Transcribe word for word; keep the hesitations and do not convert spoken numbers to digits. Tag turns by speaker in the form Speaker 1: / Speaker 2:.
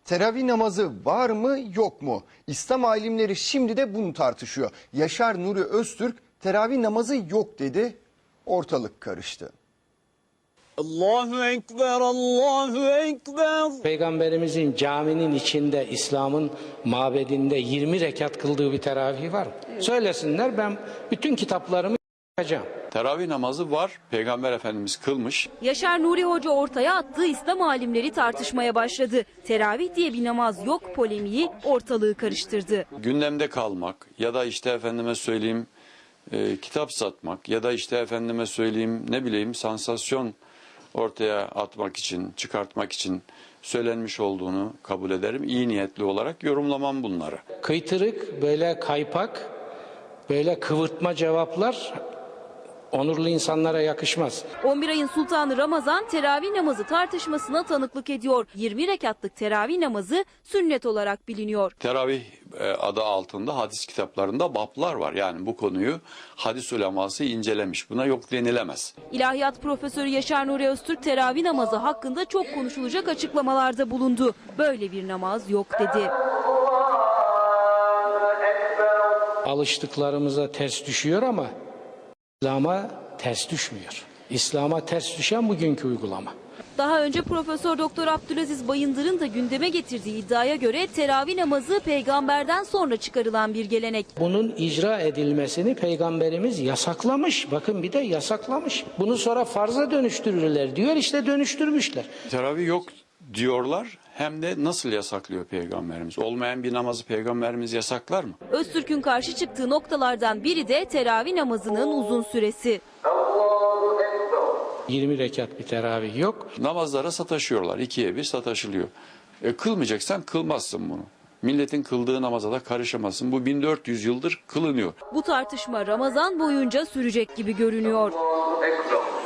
Speaker 1: Teravih namazı var mı yok mu? İslam alimleri şimdi de bunu tartışıyor. Yaşar Nuri Öztürk teravih namazı yok dedi. Ortalık karıştı.
Speaker 2: Allahu Ekber, Allahu Ekber.
Speaker 3: Peygamberimizin caminin içinde, İslam'ın mabedinde yirmi rekat kıldığı bir teravih var mı? Evet. Söylesinler, ben bütün kitaplarımı yapacağım.
Speaker 4: Teravih namazı var. Peygamber Efendimiz kılmış.
Speaker 5: Yaşar Nuri Hoca ortaya attığı İslam alimleri tartışmaya başladı. Teravih diye bir namaz yok polemiği ortalığı karıştırdı.
Speaker 4: Gündemde kalmak ya da işte efendime söyleyeyim e, kitap satmak ya da işte efendime söyleyeyim ne bileyim sansasyon ortaya atmak için, çıkartmak için söylenmiş olduğunu kabul ederim. İyi niyetli olarak yorumlamam bunları.
Speaker 3: Kıytırık, böyle kaypak, böyle kıvırtma cevaplar onurlu insanlara yakışmaz.
Speaker 5: on bir ayın sultanı Ramazan teravih namazı tartışmasına tanıklık ediyor. yirmi rekatlık teravih namazı sünnet olarak biliniyor.
Speaker 4: Teravih e, adı altında hadis kitaplarında bablar var. Yani bu konuyu hadis uleması incelemiş. Buna yok denilemez.
Speaker 5: İlahiyat Profesörü Yaşar Nuri Öztürk teravih namazı hakkında çok konuşulacak açıklamalarda bulundu. Böyle bir namaz yok dedi.
Speaker 3: Alıştıklarımıza ters düşüyor ama İslam'a ters düşmüyor. İslam'a ters düşen bugünkü uygulama.
Speaker 5: Daha önce Profesör Doktor Abdülaziz Bayındır'ın da gündeme getirdiği iddiaya göre teravih namazı peygamberden sonra çıkarılan bir gelenek.
Speaker 3: Bunun icra edilmesini peygamberimiz yasaklamış. Bakın bir de yasaklamış. Bunu sonra farza dönüştürürler diyor, işte dönüştürmüşler.
Speaker 4: Teravih yok diyorlar. Hem de nasıl yasaklıyor peygamberimiz? Olmayan bir namazı peygamberimiz yasaklar mı?
Speaker 5: Öztürk'ün karşı çıktığı noktalardan biri de teravih namazının uzun süresi.
Speaker 3: yirmi rekat bir teravih yok.
Speaker 4: Namazlara sataşıyorlar. İkiye bir sataşılıyor. E, kılmayacaksan kılmazsın bunu. Milletin kıldığı namaza da karışamazsın. Bu bin dört yüz yıldır kılınıyor.
Speaker 5: Bu tartışma Ramazan boyunca sürecek gibi görünüyor.